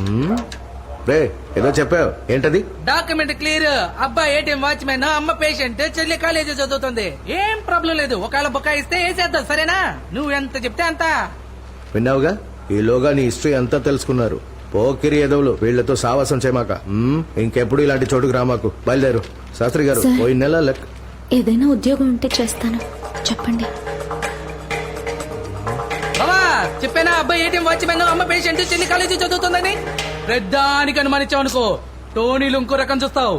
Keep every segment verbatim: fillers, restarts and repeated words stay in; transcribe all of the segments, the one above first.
రే ఏదో చెప్పావు ఏంటది? Document clear. అబ్బా ఏటీఎం వాచ్మెన్, అమ్మ పేషెంట్, చెల్లి కాలేజీ చదువుతుంది. ఏం ప్రాబ్లం లేదు. ఒకవేళ బుకాయిస్తే వేసేద్దాం, సరేనా? నువ్వు ఎంత చెప్తే అంత. విన్నావుగా, ఈలోగా నీ హిస్టరీ అంతా తెలుసుకున్నారు. పోకిరి ఎదవులు, వీళ్లతో సావాసం చేయమాక. మ్మ్, ఇంకెప్పుడు ఇలాంటి చోటుకు రామాకు. బయలుదేరు. శాస్త్రి గారు సార్. పోయిన నెల లెక్క. ఏదైనా ఉద్యోగం ఉంటే చేస్తాను, చెప్పండి. బాబా చెప్పానా, అబ్బాయి ఏటీఎం వాచ్మెన్, అమ్మ పేషెంట్, చెల్లి కాలేజీ చదువుతుందని. పెద్దానికి అనుమానించావు అనుకో, టోనీలు ఇంకో రకం చూస్తావు.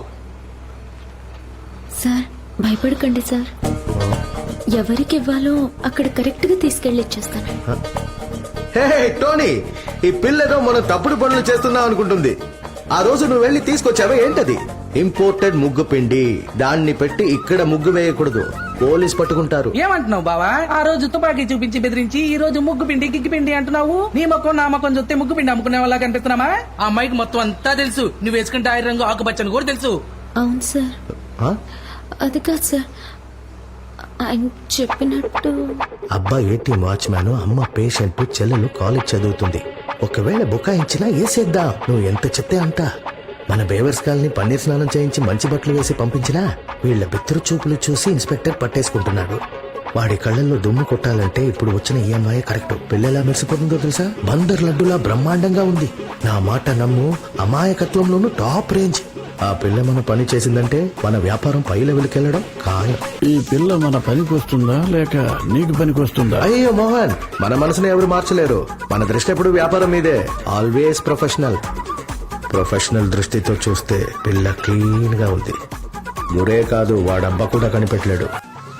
సార్ భయపడకండి సార్, ఎవరికి ఇవ్వాలో అక్కడ కరెక్ట్ గా తీసుకెళ్లి ఇచ్చేస్తాను. హే టోనీ, ఈ పిల్లతో మనం తప్పుడు పనులు చేస్తున్నాం అనుకుంటుంది. ఆ రోజు నువ్వు వెళ్లి తీసుకొచ్చావా ఏంటది? ఇంపోర్టెడ్ ముగ్గు పిండి. దాన్ని పెట్టి ఇక్కడ ముగ్గు వేయకూడదు, పోలీస్ పట్టుకుంటారు. ఏమంటున్నావు బావా? ఆ రోజు తుపాకీ చూపించి బెదిరించి ఈ రోజు ముగ్గు పిండి గిగ్గి పిండి అంటున్నావు. నీ మొక్కం నా మొక్కం చూస్తే ముగ్గు పిండి అమ్ముకునే వాళ్ళ కనిపిస్తున్నామా? ఆ అమ్మాయికి మొత్తం అంతా తెలుసు. నువ్వు వేసుకుంటే ఆయిల్ రంగు ఆకుపచ్చని కూడా తెలుసు. అవును సార్. ఆ? అది కాదు సార్, ఆయన చెప్పినట్టు. అబ్బా ఏటీఎం వాచ్మ్యాన్, అమ్మ పేషెంట్, చెల్లెలు కాలేజ్ చదువుతుంది. ఒకవేళ బుకాయించినా వేసేద్దాం. నువ్వు ఎంత చెప్తే అంత. మన బేవర్స్ కాలనీ పన్నీర్ స్నానం చేయించి మంచి బట్టలు వేసి పంపించినా వీళ్ల బిత్తరు చూపులు చూసి ఇన్స్పెక్టర్ పట్టేసుకుంటున్నాడు. వాడి కళ్ళల్లో దుమ్ము కొట్టాలంటే ఇప్పుడు వచ్చిన ఈఎంఐ కరెక్ట్. పిల్లలా మెరిసిపోతుందో తెలుసా? బందర్ లడ్డులా బ్రహ్మాండంగా ఉంది. నా మాట నమ్ము, అమాయకత్వంలోనూ టాప్ రేంజ్. ఆ పిల్ల మన పని చేసిందంటే మన వ్యాపారం పై లెవెల్కి వెళ్ళడం ఖాయం. ఈ పిల్ల మన పనికి వస్తుందా లేక నీకు పనికి వస్తుందా? అయ్యో మోహన్, మన మనసుని ఎవరు మార్చలేరు. మన దృష్టి ఎప్పుడు వ్యాపారం మీదే. Always professional. ప్రొఫెషనల్ దృష్టితో చూస్తే పిల్ల క్లీన్ గా ఉంది. గురే కాదు, వాడబ్బా కూడా కనిపెట్టలేడు.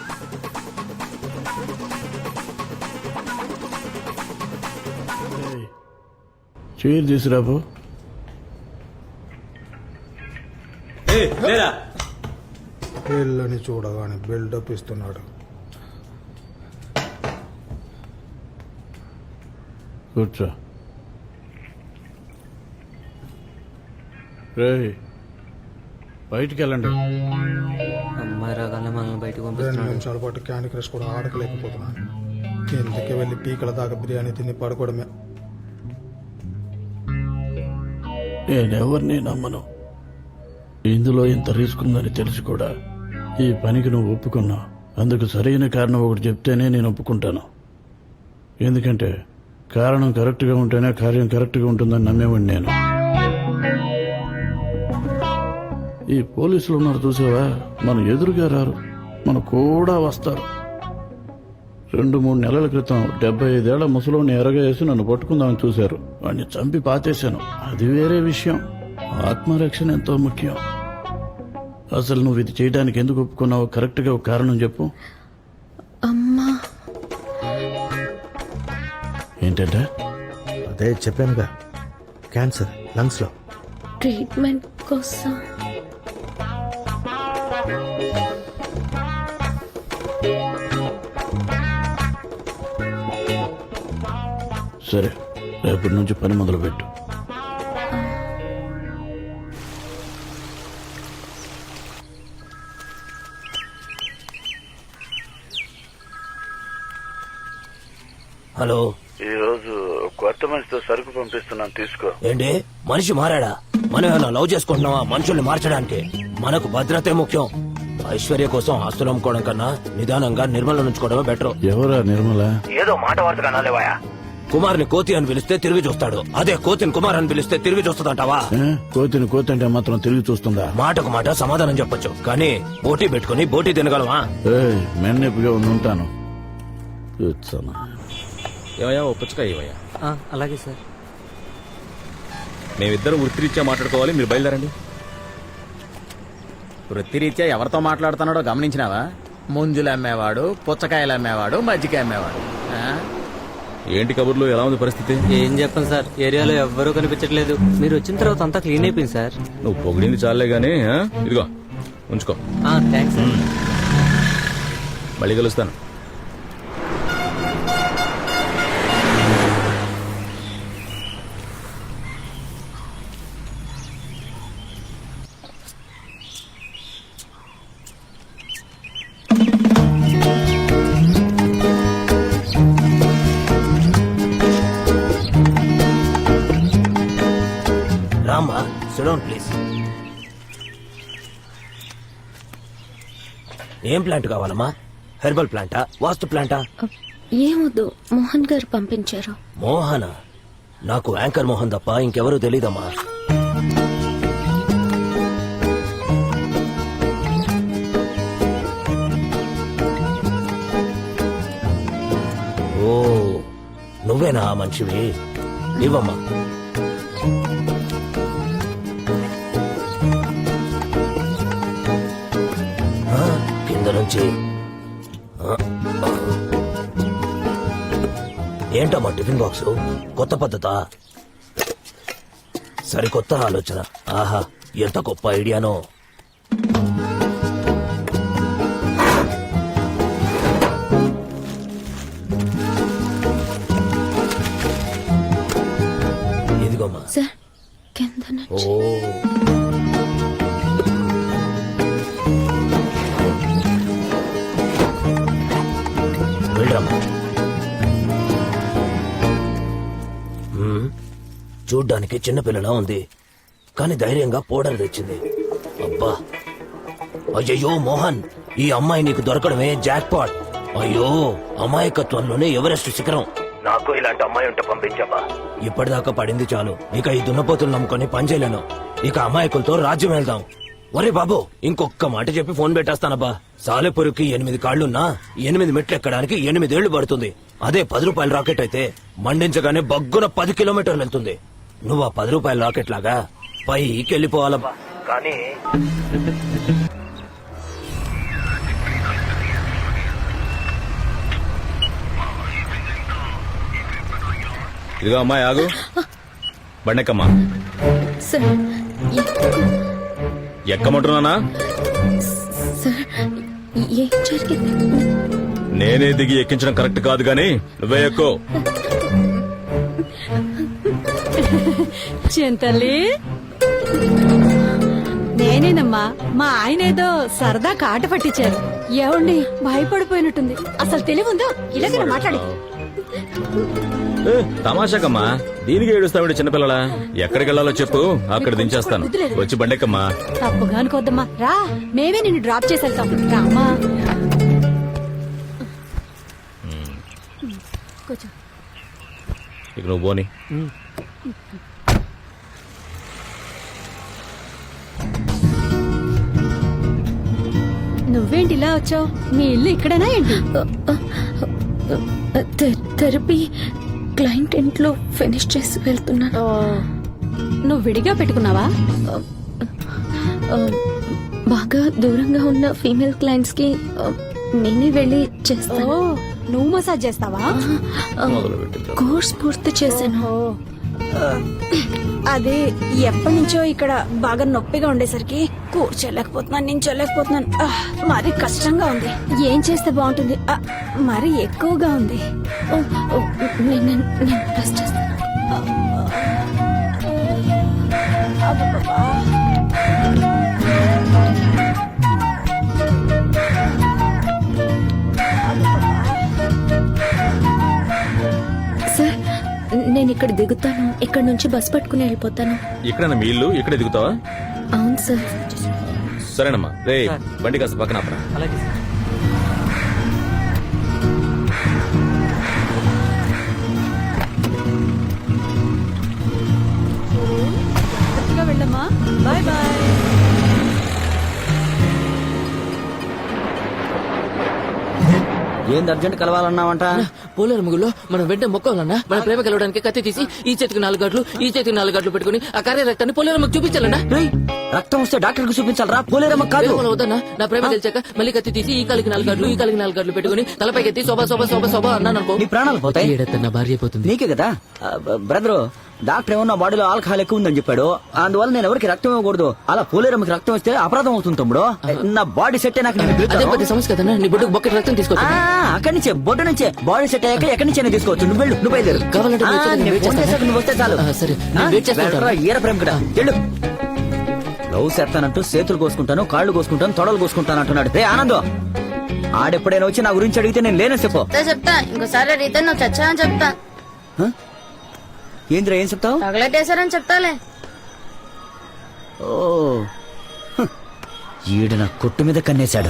చీర తీసురాబు. పిల్లని చూడగానే బిల్డప్ ఇస్తున్నాడు. కూర్చో. రే బయటికి వెళ్ళండి. అమ్మాయి రాగానే మనల్ని బయటకు రెండు పంపిస్తున్నాడు. నిమిషాల పాటు క్యాండీ క్రష్ కూడా ఆడకలేకపోతున్నాను. కిందకి వెళ్ళి పీకల దాకా బిర్యానీ తిని పడుకోవడమే. నేనెవరిని నమ్మను. ఇందులో ఇంత రిస్క్ ఉందని తెలిసి కూడా ఈ పనికి నువ్వు ఒప్పుకున్నావు. అందుకు సరైన కారణం ఒకటి చెప్తేనే నేను ఒప్పుకుంటాను. ఎందుకంటే కారణం కరెక్ట్గా ఉంటేనే కార్యం కరెక్ట్గా ఉంటుందని నమ్మేవాడిని నేను. ఈ పోలీసులు ఉన్నారు చూసావా, మన ఎదురుగా రారు, మన కూడా వస్తారు. రెండు మూడు నెలల క్రితం డెబ్బై ఐదేళ్ల ముసలోని ఎరగేసి నన్ను పట్టుకుందామని చూశారు. వాడిని చంపి పాతేశాను. అది వేరే విషయం. ఆత్మరక్షణ ఎంతో ముఖ్యం. అసలు నువ్వు ఇది చేయడానికి ఎందుకు ఒప్పుకున్నావో కరెక్ట్ గా ఒక కారణం చెప్పు. అమ్మా. ఏంటంటే? అదే చెప్పానుగా, క్యాన్సర్ లంగ్స్ లో. ట్రీట్మెంట్ కోసం. సరే, రేపటి నుంచి పని మొదలు పెట్టు. హలో, ఈ రోజు కొత్త మనిషితో సరుకు పంపిస్తున్నాను, తీసుకో. ఏంటి మనిషి మారాడా? మనం ఏమైనా లవ్ చేసుకుంటున్నావా మనుషుల్ని మార్చడానికి? మనకు భద్రతే ముఖ్యం. ఐశ్వర్య కోసం ఆస్తులు అమ్ముకోవడం కన్నా నిదానంగా నిర్మల ఉంచుకోవడమే బెటర్. ఎవరా నిర్మల? ఏదో మాట వరుసగా నాలేవాయా. కుమార్ని కోతి అని పిలిస్తే తిరిగి చూస్తాడు, అదే కోతిని కుమార్ అని పిలిస్తే తిరిగి చూస్తుందంటావా? ఏ? కోతిని కోతి అంటే మాత్రం తిరిగి చూస్తుందా? మాటకు మాట సమాధానం చెప్పొచ్చు, కానీ బోటీ పెట్టుకుని బోటీ తినగలవా? ఏయ్, మెన్నెప్పుగా ఉండి ఉంటాను. చూస్తాను. ఏమయ్యా, ఓ పుచ్చకాయ ఇవ్వయ్యా. ఆ, అలాగే సార్. మేమిద్దరం వృత్తిరీత్యా మాట్లాడుకోవాలి, మీరు బయలుదేరండి. వృత్తిరీత్యా ఎవరితో మాట్లాడుతున్నాడో గమనించినావా? ముంజులు అమ్మేవాడు, పుచ్చకాయలు అమ్మేవాడు, మజ్జికాయ అమ్మేవాడు. ఆ? ఏంటి కబుర్లు, ఎలా ఉంది పరిస్థితి? ఏం చెప్పండి సార్, ఏరియాలో ఎవ్వరూ కనిపించట్లేదు. మీరు వచ్చిన తర్వాత అంతా క్లీన్ అయిపోయింది సార్. నువ్వు పొగిడింది చాలే గానీ, ఆ? ఇదిగో ఉంచుకో. Thanks sir. మళ్ళీ కలుస్తాను. రామ్మా సిడౌన్ ప్లీజ్. ఏం ప్లాంట్ కావాలమ్మా? హెర్బల్ ప్లాంటా, వాస్తు ప్లాంటా? ఏమొద్దు, మోహన్ గారు పంపించారు. మోహన? నాకు యాంకర్ మోహన్ తప్ప ఇంకెవరూ తెలీదమ్మా. ఓ నువ్వేనా ఆ మనిషివి? ఇవ్వమ్మా. ఆ, కింద నుంచి ఆ, ఆ. ఏంటమ్మా టిఫిన్ బాక్స్? కొత్త పద్ధతా? సరికొత్త ఆలోచన. ఆహా, ఎంత గొప్ప ఐడియానో. ఇదిగోమ్మా. సార్ కింద ఓ నుంచి. వెళ్ళరమ్మా. మ్మ్. చూడ్డానికి చిన్నపిల్లలా ఉంది, కానీ ధైర్యంగా పౌడర్ తెచ్చింది. అబ్బా, అయ్యయ్యో మోహన్, ఈ అమ్మాయి నీకు దొరకడమే జాక్ పాట్. అయ్యో, అమాయకత్వంలోనే ఎవరెస్ట్ శిఖరం. నాకు ఇలాంటి అమ్మాయి ఉంటే పంపించాబా. ఇప్పటిదాకా పడింది చాలు, ఇక ఈ దున్నపోతులు నమ్ముకొని పనిచేయలేను. ఇక అమాయకులతో రాజ్యం వెళ్దాం. ఒరే బాబు, ఇంకొక్క మాట చెప్పి ఫోన్ పెట్టేస్తానబ్బా. సాలెపురికి ఎనిమిది కాళ్లున్నా ఎనిమిది మెట్లు ఎక్కడానికి ఎనిమిదేళ్లు పడుతుంది. అదే పది రూపాయల రాకెట్ అయితే మండించగానే బగ్గున పది కిలోమీటర్లు వెళ్తుంది. నువ్వు ఆ పది రూపాయల రాకెట్ లాగా పైకి వెళ్ళిపోవాలబ్బా. కానీ ఇదిగో అమ్మాయి ఆగు. బండెక్కమ్మా. సార్ ఎందుకు? ఎక్కమంటున్నానా? సార్ ఏం జరిగింది? నేనే దిగి ఎక్కించడం కరెక్ట్ కాదు గాని నువ్వే ఎక్కువ. చింతల్లి, నేనేనమ్మా. మా ఆయన ఏదో సరదా కాట పట్టించారు. ఏమండి, భయపడిపోయినట్టుంది. అసలు తెలివి ఉందో ఇలాగ మాట్లాడి. ఏ, తమాషాకమ్మా, దీనికి ఏడుస్తావిడ చిన్నపిల్లల. ఎక్కడికి వెళ్ళాలో చెప్పు, అక్కడ దించేస్తాను. వచ్చి బండెక్కమ్మా. తప్పుగా అనుకోద్దమ్మా, రా, మేమే నిన్ను డ్రాప్ చేసి వెళ్తాం. రామా, కూర్చో. ఇక నువ్వు పోని. నువ్వేంటి ఇలా వచ్చావు? మీ ఇల్లు ఇక్కడేనా ఏంటి? థె- థెరపీ క్లయింట్ ఇంట్లో ఫినిష్ చేసి వెళ్తున్నాను. నువ్వు విడిగా పెట్టుకున్నావా? ఆ, బాగా దూరంగా ఉన్న ఫీమేల్ క్లయింట్స్ కి ఆ, నేనే వెళ్ళి ఓ, చేస్తాను. నువ్వు మసాజ్ చేస్తావా? ఆ, కోర్స్ పూర్తి చేశాను. ఓ, అదే ఎప్పటి నుంచో ఇక్కడ బాగా నొప్పిగా ఉండేసరికి కూర్చోలేకపోతున్నాను, నించోలేకపోతున్నాను. ఆ, మరీ కష్టంగా ఉంది. ఏం చేస్తే బాగుంటుంది? ఆ, మరీ ఎక్కువగా ఉంది. ఓ, ఓ, నేను నేను- నేను ప్రెస్ చేస్తాను. అబ్బబ్బా. సార్ నేను ఇక్కడ దిగుతాను, ఇక్కడ నుంచి బస్ పట్టుకుని వెళ్ళిపోతాను. ఇక్కడ మీ ఇల్లు, ఇక్కడే దిగుతావా? అవును సార్. సరేనమ్మా. రే, బండి కాస్త పక్కన ఆపరా. అలాగే సార్. జాగ్రత్తగా వెళ్ళమ్మా. Bye bye. ఏంది అర్జెంట్ కలవాలన్నావంట? పోలేరు ముగ్గులో మనం వెంటనే మొక్కాలన్నా. మన ప్రేమ కలవడానికి కత్తి తీసి ఈ చేతికి నాలుగు గట్లు, ఈ చేతికి నాలుగు గట్లు పెట్టుకుని ఆ కార్య రక్తాన్ని పోలేరమ్మకి చూపించాలన్నా. రేయ్, రక్తం వస్తే డాక్టర్ కు చూపించాలరా, పోలేరమ్మ కాదు. ప్రేమలో వద్దన్నా. నా ప్రేమ తెలిసాక మళ్ళీ కత్తి తీసి ఈ కాలికి నాలుగు గట్లు, ఈ కాలికి నాలుగు గట్లు పెట్టుకుని తలపైకి ఎత్తి శోభా శోభా శోభా శోభా అన్నాను అనుకో, నీ ప్రాణాలు పోతాయి. ఏడత్త నా భార్య అయిపోతుంది. నీకే కదా బ్రదరు, డాక్టర్ ఏమో నా బాడీలో ఆల్కహాల్ ఎక్కువ ఉందని చెప్పాడు. అందువల్ల నేను ఎవరికి రక్తం ఇవ్వకూడదు. అలా పోలేరమ్మకి రక్తం ఇస్తే అపరాధం అవుతుంది తమ్ముడు. నా బాడీ సెట్ నాకు నేను అదే పిలుస్తాను. పెద్ద సమస్య కదన్నా. నీ బొడ్డుకు బొక్కటి రక్తం ఆ, తీసుకోవచ్చు. అక్కడి నుంచే బొడ్డు నుంచే బాడీ సెట్ అయ్యాక ఎక్కడి నుంచే తీసుకోవచ్చు. నువ్వు వెళ్ళు, నువ్వు బయలుదేరు. కావాలంటే ఆ, నేను వచ్చేదాన్ని, నేను వెయిట్ ఫోన్ చేస్తాను. చేశాక నువ్వు వస్తే చాలు. ఆ, సరే, నేను వెయిట్ చేస్తూ ఉంటాను. వెళ్ళరా, ఈర ప్రేమ కదా. వెళ్ళు. లవ్ చేస్తానంటూ చేతులు కోసుకుంటాను, కాళ్ళు కోసుకుంటాను, తొడలు కోసుకుంటాను అంటున్నాడు. రే ఆనందం, ఆడెప్పుడైనా వచ్చి నా గురించి అడిగితే నేను లేనని చెప్పు. చెప్తా. ఇంకోసారి అడిగితే నువ్వు చచ్చా అని చెప్తా. ఏంద్రా, ఏం చెప్తావు? తగలెట్టేశారని చెప్తాలే. ఓ హ్, ఈడు నా కొట్టు మీద కన్నేశాడు.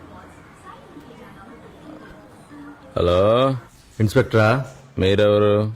హలో ఇన్స్పెక్టరా మీరెవరు?